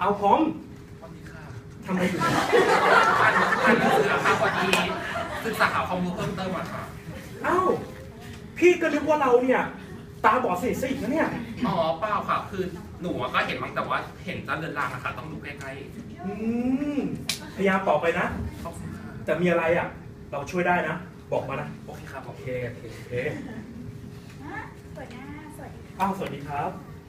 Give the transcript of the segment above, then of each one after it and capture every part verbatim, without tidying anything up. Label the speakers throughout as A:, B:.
A: เอาพร้อม
B: สวัสดีค่ะ
A: ทำอะไรอยู่
B: อ่านอ่านหนังสือค่ะพอดีศึกษาหาความรู้เพิ่มเติมอะค่ะ
A: เอ้าพี่ก็นึกว่าเราเนี่ยตาบอดสนิทซะอีกนะเนี่ย
B: อ๋อเปล่าค่ะคือหนูก็เห็นบ้างแต่ว่าเห็นจะเลือนลางอะค่ะต้องดูใกล้
A: อืมพยายามตอบไปนะ
B: ๆขอบคุณค่ะ
A: แต่มีอะไรอ่ะเราช่วยได้นะบอกมานะ
B: โอเคครับโอ
A: โอ
B: เค
A: เคโอเคโอเค
C: หัวหน้าสวัสดีค่ะ
A: อ้าวสวัสดีครับ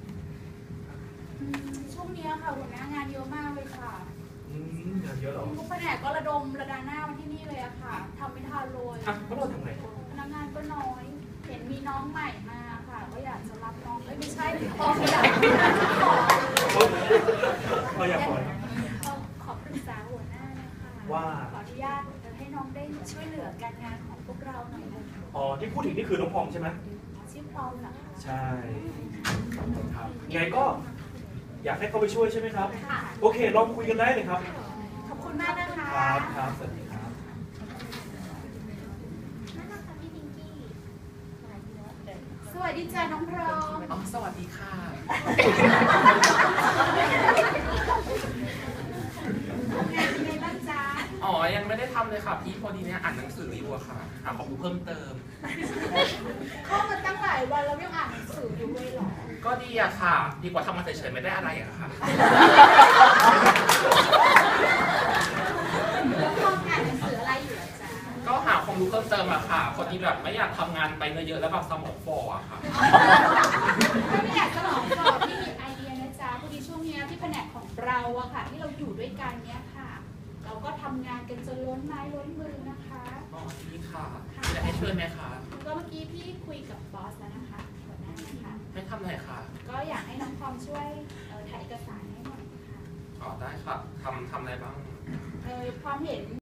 C: ช่วงนี้ค่ะหัวหน้างานเยอะมากเลยค่ะ
A: อืมงานเยอะเหรอ
C: ทุกแผนกก็ระดมระดาหน้ามาที่นี่เลยอะค่ะทำไม่ทันเลย
A: อ่ะแล้วเราทำไง
C: พนักงานก็น้อย เห็นมีน้องใหม่มาค่ะก็อยากจะรับน้องเอ้ยไม่ใช่พอไม่อยากขอ
A: เราอยากปล่อย
C: ขอปรึกษาหัวหน้านะคะ
A: ว่า
C: ขออนุญาตให้น้องได้ช่วยเหลือการงานของพวกเราหน่อยนะคะ
A: อ๋อที่พูดถึงนี่คือน้องพองใช่ไหม
C: ชื่อพร้อมเหรอคะ
A: ใช่ครับไงก็อยากให้เขาไปช่วยใช่ไหมครับ
C: ค่ะ
A: โอเคลองคุยกันได้เลยครับ
C: ขอบคุณมากนะคะ
A: ครับครับสวัสดีครับ
C: นั่นนะคะพี่พิงกี้สวัสดีจ้าน้องพร้อม
B: อ๋อสวัสดีค่ะ
C: ทำงานเป็นไงบ้างจ๊ะ
B: อ๋อยังไม่ได้ทำเลยค่ะพี่พอดีเนี่ยอ่านหนังสืออยู่อะค่ะหาความรู้เพิ่มเติม
C: เข้ามาตั้งหลายวันแล้วยังอ่านหนังสืออยู่เลยเหรอ
B: ก็ดีอะค่ะ ดีกว่าทำมาเฉยๆไม่ได้อะไรอะค่ะ
C: แล้วทำงานหนังสืออะไรอยู่อะจ๊ะ
B: ก็หาความรู้เพิ่มเติมอะค่ะพอดีแบบไม่อยากทำงานไปเยอะๆแล้วแบบสมองฝ่ออะค่ะ
C: ถ้าไม่อยากจะหลอกหลอกพี่มีไอเดียนะจ๊ะพอดีช่วงเนี้ยที่แผนกของเราอะค่ะ ที่เราอยู่ด้วยกันเนี้ยค่ะ เราก็ทำงานกันจนล้นไม้ล้นมือนะคะ
B: อ๋อดีค่ะจะให้ช่วยไหมคะ
C: ก็เมื่อกี้พี่คุยกับบอสแล้วนะคะหัวหน้านะคะ
B: ไม่ทำอะไรค่ะ
C: ก็อยากให้น้องพร้อมช่วยเอ่อถ่ายเอกสารให้หน่อยนะคะ
B: อ๋อได้ค่ะทำทำอะไรบ้าง
C: เออความเห็น